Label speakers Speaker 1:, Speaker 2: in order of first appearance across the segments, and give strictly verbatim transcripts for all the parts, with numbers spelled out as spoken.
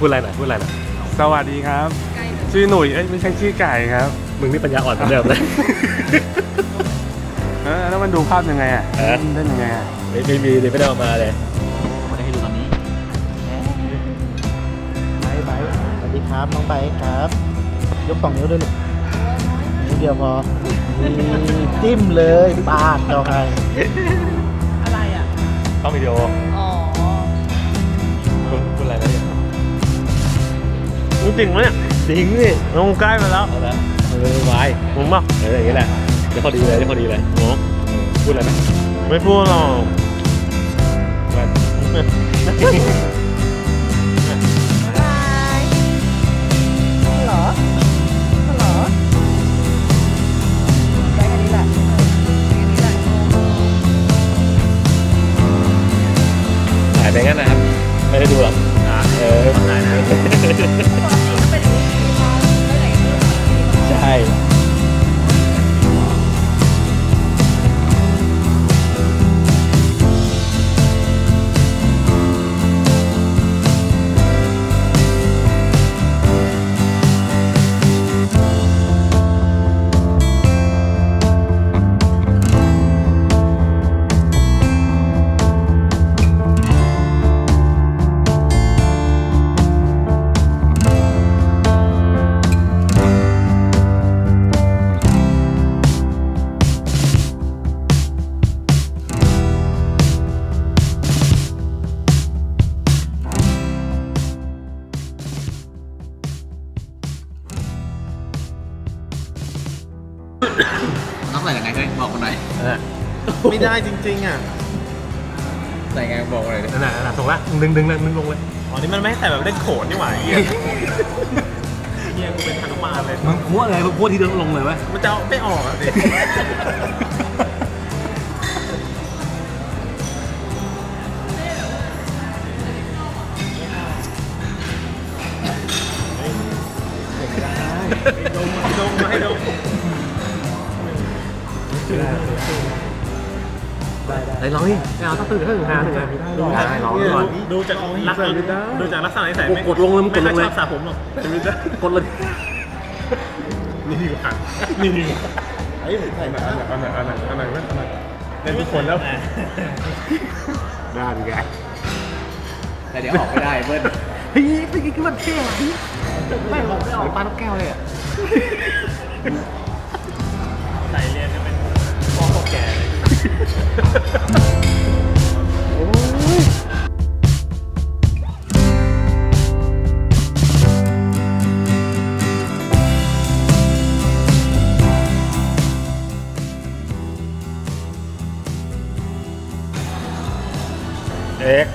Speaker 1: พูดอะไรหน่อยพูดอะไรหน่อย
Speaker 2: สวัสดีครับชื่อหนุ่ยเอ้ยไม่ใช่ชื่อไก่ครับ
Speaker 1: มึงนี่ปัญญาอ่อนเหมือนเดิมเลย
Speaker 2: เออแล้วมันดูภาพยังไงอ่ะเล่นยังไงอ่ะ
Speaker 1: ไม่ไม่มีเลยไม่ได้เอามาเลย
Speaker 3: ไม่ได้ให้ดูตอนนี้ไบไบสวัสดีครับน้องไบครับยกสองนิ้วด้วยลูกนิ้วเดียวพอจิ้มเลยปาดเราให้
Speaker 4: อะไรอ่ะ
Speaker 1: ต้องวิดีโอ
Speaker 4: อ๋อ
Speaker 1: พูดอะไรนะเนี่ย
Speaker 2: จริงไหมเนี่ยจริงนี่ลงใกล้มาแล้ว
Speaker 1: เอาละเออไว้
Speaker 2: มึงป่ะ
Speaker 1: เอออย่างนี้แหละจะพอดีเลยจะพอดีเลยโอ้พูดอะไรไหม
Speaker 2: ไม่พูดหรอก
Speaker 4: บายเหรอเหรอได้แค่นี้แหละแค่นี้แหละ
Speaker 1: ถ่ายไปงั้นนะครับไม่ได้ดูหรอกเออถ่ายนะใช่
Speaker 3: น้องใส่ยังไงเฮ้ยบอกมาหน่อย
Speaker 2: ไม่ได้จริงๆอ่ะ
Speaker 3: ใส่ไงบอกเลย
Speaker 1: นั่นแหละนั่นแหละส่งละดึงดึงเลยดึงลงเลย
Speaker 2: อ๋อนี่มันไม่ให้ใส่แบบเล่นโขนนี่หว่าเฮียเฮียกูเป็นฮนุมานเลย
Speaker 1: มึงพัวเลยมึงพัวทีเดียวลงเลยไหม
Speaker 2: มันจะไม่ออกอ่ะสิดมดมไม่ดม
Speaker 1: ได้ลองดิไม่เอาต้องตื่นขึ้นหาหนึ่งดูได้ลองก่อน
Speaker 2: ดูจากลักษณะดูจากลักษณะนิสัยไม่
Speaker 1: กดลงเลยมึงกดลงเลย
Speaker 2: ไม่ชอบสระผมหรอก
Speaker 1: กดเลย
Speaker 2: นี่ดีกว่านี่ดีกว่าไอ้ผมใส่มาอันไหนอันไหนอันไหนอันไหนอันไหนเล่นทุกคนแล้วได้ดีไง
Speaker 3: แต่เดี๋ยวออกไม่ได้เบิ้ล
Speaker 1: เฮ้ยเป็นไงคือมันเท่อะไม่ออกไม่ออกปลาลูกแก้วเลยอ่ะ
Speaker 2: ใส่เรียนจะเป็นพ่อแก่เลย
Speaker 1: เอ็ก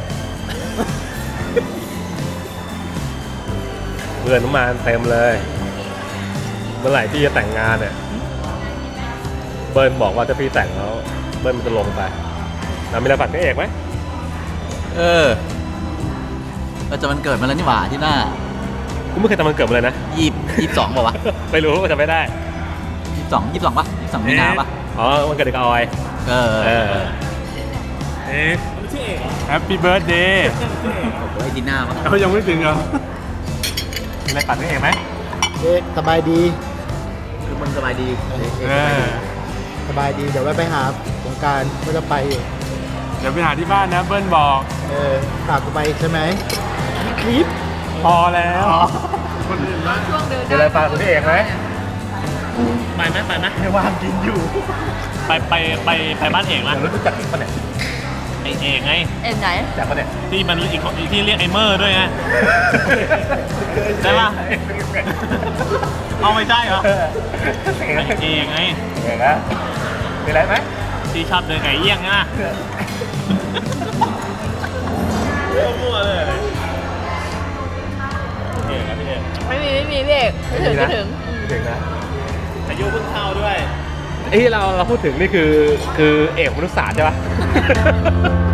Speaker 1: เพื่อนน้ำมันเต็มเลยเมื่อไหร่ที่จะแต่งงานเนี่ยเบิ้ลบอกว่าถ้าพี่แต่งแล้วเบิ้ลมันจะลงไปเรามีอะไรฝากพี่เอกไหม
Speaker 3: เออเราจะมันเกิดมาแล้วนี่หว่าที่หน้า
Speaker 1: กูไม่เคยทำมันเกิดมาเลยนะ
Speaker 3: ยี่ยี่สองป่าววะ
Speaker 1: ไม่รู้ก็จะไม่ได้
Speaker 3: ยี่สองยี่สองปะยี่สองมีนาปะ
Speaker 1: อ๋อมันเกิดเด็กออย
Speaker 3: เออ
Speaker 1: เออ
Speaker 2: เอ็กแฮปปี้เบิร์ดเดย์
Speaker 3: ไอ้ที่หน้าปะ
Speaker 2: เขายังไม่ถึงเหรอมีอะไรฝากพี่เอกไหม
Speaker 3: เอ๊ะสบายดีคือมันสบายดีสบายดีเดี๋ยวไปหาสงการก็จะไปอยู่
Speaker 2: เดี๋ยวไปหาที่บ้านนะเบิ้ลบอก
Speaker 3: เออฝากกูไปใช่ไหม
Speaker 2: คลิปพอแล้วคนอื่นบ้าง
Speaker 4: ช่วงเดิน
Speaker 1: มีอะไรฝากพี่เอกไหม
Speaker 2: ไปไหมไปไหม
Speaker 3: ไม่ว่างกินอยู่
Speaker 2: ไปไปไปไปบ้านเอกนะ
Speaker 1: รู้จักอีกคนเนี่ย
Speaker 2: ไอเอกไง
Speaker 4: เอ็นไหน
Speaker 1: จากคนเนี่ย
Speaker 2: ที่มันอีกที่เรียกไอเมอร์ด้วยไงใช่ปะเอาไม่ได้เหรอไอเอกไง
Speaker 1: เอกนะมีอะไรไหม
Speaker 2: ที่ชอบเดินไก่เอี้ยงนะเรื่องมั่วเลยเอกนะพี่เอก
Speaker 4: ไม่มีไม่มีพี่เอกไม่ถึงไม่ถึง
Speaker 1: ถึงนะ
Speaker 2: อายุเพิ่งเข้าด้วย
Speaker 1: ไอ้ที่เราเราพูดถึงนี่คือคือเอกมนุษยศาสตร์ใช่ปะ